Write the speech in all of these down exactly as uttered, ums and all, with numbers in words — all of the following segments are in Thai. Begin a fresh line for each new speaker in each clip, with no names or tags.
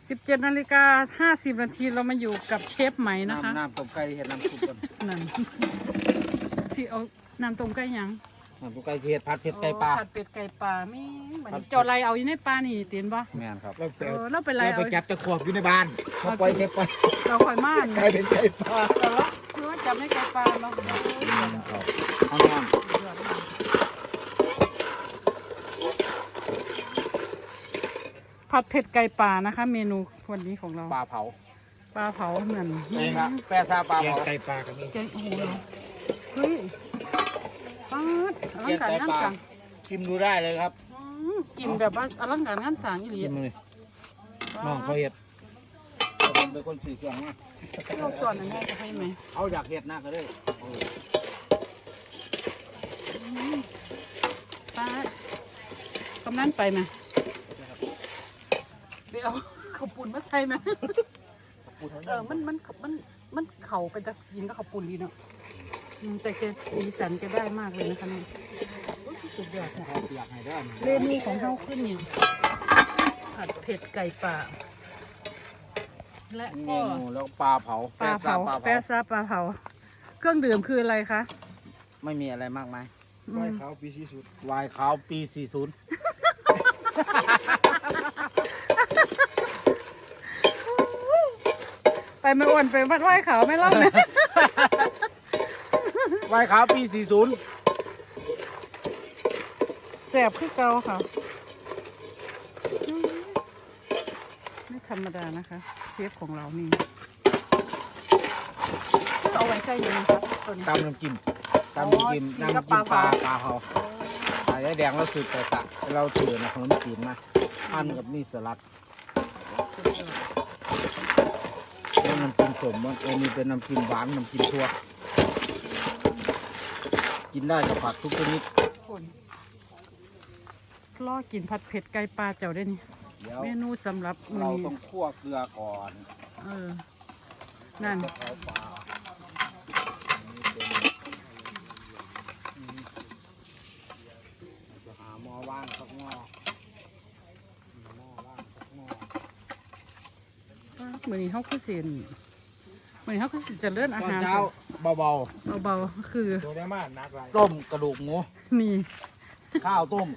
สิบเจ็ดนาฬิกาห้าสิบนาทีเรามาอยู่กับเชฟไหมนะคะ
น้ำต้มไก่เห็ดน้ำซุปก่อน
นั่นสิเอาน้ำต้มไก่ยัง
น้ำต้มไก่เห็ดผัดเผ็ดไก่ปลา
ผัดเป็ดไก่ปลาไม่เหมือนเจ้าไรเอาอยู่ในปลานี่เตียนบ่
แม่นครับ
เราไป
เออเราเป็นไร
เรา
เอา
ไปจับตะขวบอยู่ในบ้านเขาปล่อยเทปไป
เราคอยม่าน
กลายเป็นไก่ปลา
เราคือว่าจับไม่ไก่ปลาเรา
เอาน้ำ
ผัดเผ็ดไก่ปลานะคะ เมนูวันนี้ของเรา
ปลาเผา
ปลาเผาเหมือน
นี่ครับแปรซาปลา
แกง
เผา
ไก่ปลากันนี่
แกงโอ้โหเฮ้ยปาดอลังการงานสั่ง
ชิมดูได้เลยครับ
อืมกินแบบว่าอลังการงานสั่งอีหลี
ชิมเลยน้องเขาเห็ดผมเป็นคนสื่อเครื่องนะ
เราส่วนอันนี้จะให้ไหม
เอาอยากเห็ดนะก็ได้
ปาดกำนันไปไหมเดี๋ยวข้าวปุ่นมาใส่ไหมเออมันมันมันมันเข่าไปจากกินก็ข้าวปุ่นดีเนาะอืมแต่แกสีสันแกได้มากเลยนะคะนี่โอ้ยสุดยอดค่ะ
เขาอยากให้ได้
เมนูของเราขึ้นเนี่ยผัดเผ็ดไก่ป่าและ
เม
ก็
นูแล้วปลาเผา
ปลาเผา
ปลา
แปะ
เผา
ซาปลาเผาเครื่องดื่มคืออะไรคะ
ไม่มีอะไรมากมาย
อื
ไหว้
ม
เขาปีที่สุด
วายขาวปีสี่สิบ
ไปไม่อ้วนไปวัดไหว้เขาไม่เล่าเลยว
ายขาวปีสี่สิบ
แสบคือเกาค่ะอืมไม่ธรรมดานะคะเชฟของเรานี่เอาไว้ใส่ยังไงคะตัวนี้
ตำน้ำจิ้มตำน้ำจิ้ม
อ๋อกิน
น้ำ
กับ
จิ้ม
ป
ป
ลา
ลา
เผา
ปลาเผาปลาแดงเราสืบแต่ตะเราถือนะขนมจีนมาอันกับมีสลัดแล้วน้ำจิ้มสมมันเออมีเป็นน้ำจิ้มหวานน้ำจิ้มทั่วกินได้กับผักทุกชนิด
คนล่อกินผัดเผ็ดไก่ปลาเจ้าได้นี่
เดี๋ยว
เมนูสำหรับมื้อ
เรา
นี้
ต้องคั่วเกลือก่อน
เออ นั่น
จะเอาปลาจะหาหม้อว่างสักหม้อหม้อว่างสักหม้อ
เหมือนนี้เขาคือเสียนเหมือนนี้เขาคือสิเจะเลื่อนอา
ตอน
หาร
เช้าเบา
เบาๆคือ
โดนได้มากนักไร
ๆ ต้มกระดูกหมู
นี่
ข้าวต้ม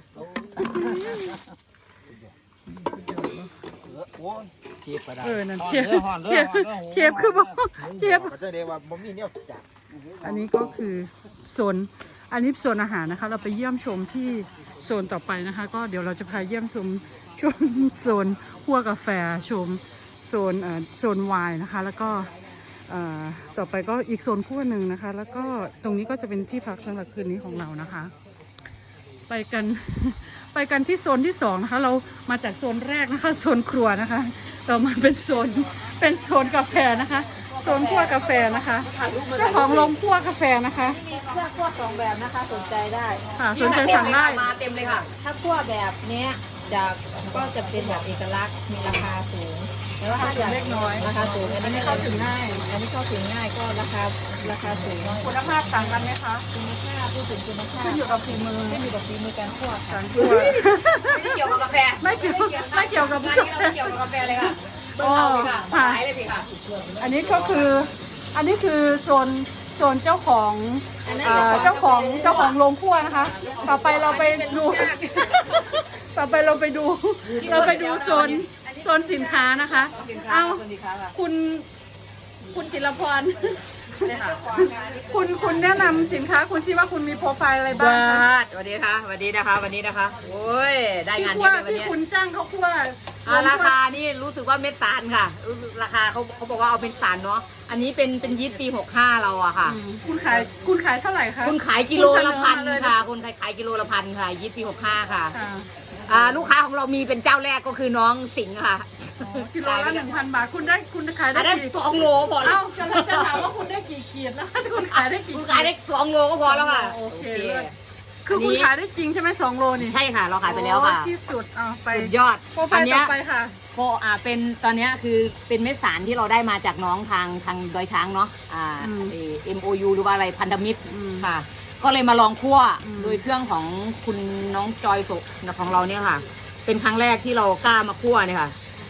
โอ้ยเชฟไปได้
เออนั่น
ห่
เชฟ
ด้อห่อน
เช
ด้อ
ฟ
ห่อนด้อ
เชฟคือบอกเชฟ
ก็จะเรียกว่าบ่มีเนี่ยจับ
อันนี้ก็คือโซนอันนี้โซนอาหารนะคะ เราไปเยี่ยมชมที่โซนต่อไปนะคะ ก็เดี๋ยวเราจะพาเยี่ยมชมชมโซนคั่วกาแฟชมโซนเอ่อโซนไวน์นะคะ แล้วก็เอ่อต่อไปก็อีกโซนคั่วหนึ่งนะคะ แล้วก็ตรงนี้ก็จะเป็นที่พักสำหรับคืนนี้ของเรานะคะ ไปกัน ไปกันที่โซนที่สองนะคะ เรามาจากโซนแรกนะคะ โซนครัวนะคะ ต่อมาเป็นโซนเป็นโซนกาแฟนะคะ โซนคั่วกาแฟนะคะเจ้าของโรงคั่วกาแฟนะคะ
มีเครื่องคั่วสองแบบนะคะสนใจได้
ค่ะสนใจสั่งได้
มาเต็มเลยค่ะ ถ้าคั่วแบบเนี้ยจะก็จะเป็นแบบเอกลักษณ์มีราคาสูงแต่ว่าถ้าอยาก
เล็กน้อย
ราคาสูงอันนี้ไม่
เข้าถึงง่าย
อันนี้เข้าถึงง่ายก็ราคาราคาสูง
คุณภาพต่างกันไหมคะ
คุณภาพพูดถึงคุณภาพ
ขึ้นอยู่กับฝีมือ
ขึ้นอยู่กับฝีมือการคั่วค่ะ
การคั่ว
ไม่เกี่ยวกับกาแฟ
ไม่เกี่ยวไม่เกี่ยวกับ
ไม่
กาแฟ
เกี่ยวกับกาแฟเลยค่ะ
อ๋อ
ค่ะ
ค่ะ
ขายเลยพี่ค่ะ
อันนี้ก็คืออันนี้คือโซนโซนเจ้าของ
อันนั้น
เอ่อ
เจ้า
เจ้า
ข
ข
อ
อง งเจ้าของโรงคั่วนะคะ ต่อไปเราไปดู ต่อไปเราไปดู เราไปดูโซนโซนสินค้านะคะ
สินค้า
เอ้า
สินค้าค่ะ
คุณคุณจิรพร คุณคุณแนะนำสินค้าคุณคิดว่าคุณมีโปรไฟล์อะไรบ้างคะ
สวัสดีค่ะสวัสดีนะคะวันนี้นะคะโอ้ยได้
ที่
งาน
คั่
เยว อะเลยวัน
ที่
นี้
คุณจ้างเขาคั่ว
อ่าราคานี่รู้สึกว่าเม็ดสารค่ะรู้สึกราคาเขาเขาบอกว่าเอาเป็นสารเนาะอันนี้เป็นเป็นยีสต์ปีหกห้าเราอะค่ะ
อืมคุณขายคุณขายเท่าไหร่คะ
คุณขายกิโลละพัน
คุณเสนอมาเลยนะ
ค่ะคุณขายขายกิโลละพันค่ะยีสต์ปีหกห้าค่ะ
ค่ะ
อ่าลูกค้าของเรามีเป็นเจ้าแรกก็คือน้องสิงห์ค่ะ
กิโลละหนึ่งพันบาทคุณได้คุณขาย
อั
ได้
นนั้น
กี่
สองโลพอแล้
เอ้าว จะจะถามว่าคุณได้กี่ขีดแล้วคุณขายได้กี่
คุณ
ขี
ขายได้สองโลก็พอแล้วค่ะ
โอเคเลิศคือคุณขายได้จริงใช่ไหมสองโลนี่
ใช่ค่ะเราขายไปแล้วค่ะ
โอ้ที่สุดเอาไป
สุดยอด
โปรไฟ
อัน
ล์
เนี้
ต่
ย
อไปค่ะ
โคอ่าเป็นตอนเนี้ยคือเป็นเม็ดสารที่เราได้มาจากน้องทางทางดอยช้างเนาะอ่า
อืม
เอ็มโอยูหรือว่าอะไรพันธมิตร
อืม
ค่ะ ก็เลยมาลองคั่ว
อืม
โดยเครื่องของคุณน้องจอยโสของเราเนี่ยค่ะ เป็นครั้งแรกที่เรากล้ามาคั่วเนี่ยค่ะ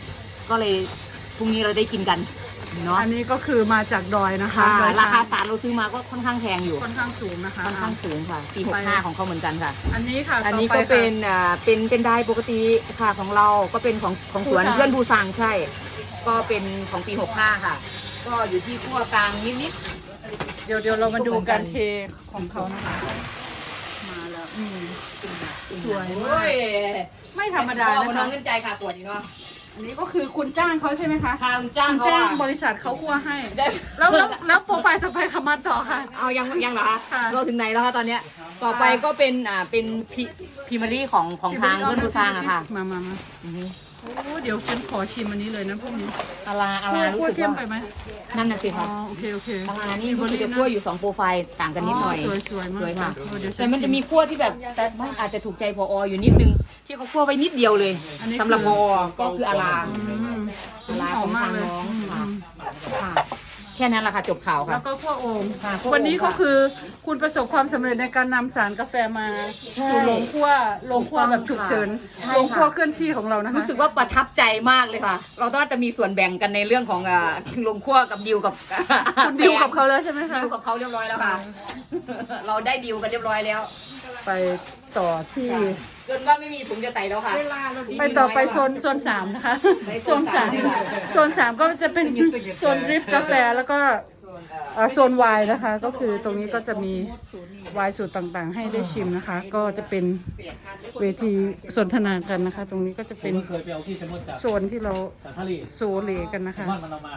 ก็เลยพรุ่งนี้เราได้กินกันเนาะ
อันนี้ก็คือมาจากดอยนะคะ
ค่ะ
ดอย
ราคา
ช้าง
สารเราซื้อมาก็ค่อนข้างแพงอยู่
ค่อนข้างสูงนะคะ
ค่อนข้างสูงค่ะปีหกห้าของเขาเหมือนกันค่ะ
อันนี้ค่ะ
อันนี้
ต่
ก็
ไค่ะ
เป็นอ่าเป็นเป็นได้ปกติค่ะของเราก็เป็นของของสวน
บูซัง
เพื่อนบูซังใช่ ก็เป็นของปีหกห้าค่ะ ก็อยู่ที่ขั้วกลางนิด
เดี๋ยวเดี๋ยวเรามาดูการเทของเขานะคะ มาแล้วอืม
ๆ
สวย
โอ้ย
ไม่ธรรมดา
พ่อ
นะ
คนน้อ
คะ
งเงินใจค่ะปวดนี่เนาะ
อันนี้ก็คือคุณจ้างเขาใช่ไหมคะ
ทางจ้าง
คุณ
เขา
จ้าง
อะ
บริษัทเขาคั่วให้
ได้
แล้วแล้วแล้วโปรไฟล์ต่อไปคำมาต่อค่ะ
เอายังยังเหรอคะ
ค่ะ
เราถึงไหนแล้วคะตอนเนี้ยต่อไปก็เป็นอ่าเป็นพิพิมารีของของทางเพื่อนบูซังอะค่ะ
มามามา
อือฮึ
โอ้เดี๋ยวฉันขอชิมอันนี้เลยนะพวกนี้
อาราอารารู้
คั่ว
สึก
เทียม
ว่า
ไปไหม
นั่นน่ะสิ
อ๋อ
ค่ะ
โอเคโอเค
อารานี่รู้สึกจะคั่วอยู่สองโปรไฟล์ต่างกันนิดหน่อย
สวยสวยมาก
สวยค่ะ
เออเดี๋ยวฉั
แต่มันจะมีขั้วที่แบบแต่ไม่อาจจะถูกใจพออยู่นิดนึง ที่เขาขั้วไว้นิดเดียวเลย
อันนี้
สำหรับ
คื
พ
อ
อก็คืออารา
อืม
อารา
ห
ข
อ
อ
ม
ง
มาก
ทาง
เลย
น้อง
อืม
ค่ะ
อืม
ค่ะ แค่นั้นแหละค่ะจบข่าวค่ะ
แล้วก็คั่วโอ่ง
ค่ะคั่วโอ่ง
วันนี้ก็
ค่ะ
คือคุณประสบความสำเร็จในการนำสารกาแฟมา
ใช่
สู่โรงคั่วโรงคั่วแบบฉุกเฉิน
ใช่ค่ะ
โรงคั่วเคลื่อนที่ของเรานะคะ
รู้สึกว่าประทับใจมากเลยค่ะ เราต้องจะมีส่วนแบ่งกันในเรื่องของอ่าลงขั้วกับดิวกับ
คุณดิวกับเขาแล้วใช่ไหมคะ
ดิวกับเขาเรียบร้อยแล้วค่ะ เราได้ดิวกันเรียบร้อยแล้ว
ไปต่อที่
จนว่าไม่มีถุงจะใส่แล้วค่ะ
ไปต่อไปโซนโซนสามนะคะโซนสามโซนสามก็จะเป็นโซนดริฟต์กาแฟแล้วก็เอ่อโซนไวน์นะคะ ก็คือตรงนี้ก็จะมีไวน์สูตรต่างๆ ให้ได้ชิมนะคะ ก็จะเป็นเวทีสนทนากันนะคะ ตรงนี้ก็จะเป็น
เคยไปเอาที่ชะมดจาก
โซนที่เรา
จากทะเล
โซเลกันนะคะ
มันมันเอามา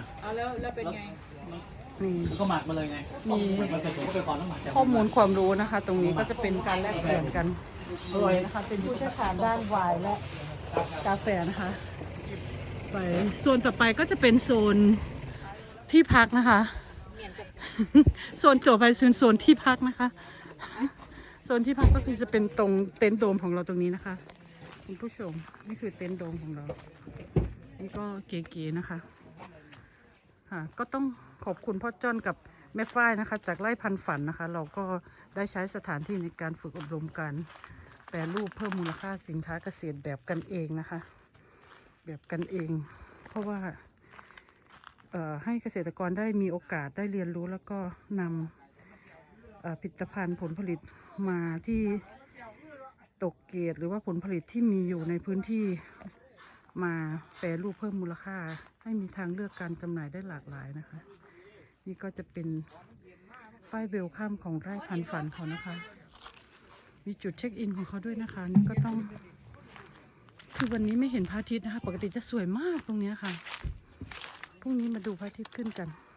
นี่
แล้วก็หมักมาเลยไง
มี
มันผสมก็ไปก่อนน้ำหมักจาก
ข้อมูลความรู้นะคะ ตรงนี้ก็จะเป็นการแลกเปลี่ยนกันอร่อยนะคะเป็นผู้เชี่ยวชาญด้านไวน์และกาแฟนะคะไปโซนต่อไปก็จะเป็นโซนที่พักนะคะ โซนจบไปโซนโซนที่พักนะคะโซนที่พักก็คือจะเป็นตรงเต็นท์โดมของเราตรงนี้นะคะคุณผู้ชมนี่คือเต็นท์โดมของเรานี่ก็เก๋ๆนะคะค่ะก็ต้องขอบคุณพ่อจ้อนกับแม่ฝ้ายนะคะ จากไร่พันฝันนะคะ เราก็ได้ใช้สถานที่ในการฝึกอบรมการแปรรูปเพิ่มมูลค่าสินค้าเกษตรแบบกันเองนะคะ แบบกันเอง เพราะว่าเอ่อให้เกษตรกรได้มีโอกาสได้เรียนรู้แล้วก็นำเอ่อผลิตภัณฑ์ผลผลิตมาที่ตกเกรดหรือว่าผลผลิตที่มีอยู่ในพื้นที่มาแปรรูปเพิ่มมูลค่า ให้มีทางเลือกการจำหน่ายได้หลากหลายนะคะ นี่ก็จะเป็นป้ายเวลคัมของไร่พันฝันเขานะคะ มีจุดเช็คอินของเขาด้วยนะคะ นี่ก็ต้องคือวันนี้ไม่เห็นพระอาทิตย์นะคะ ปกติจะสวยมากตรงเนี้ยค่ะพรุ่งนี้มาดูพระอาทิตย์ขึ้นกัน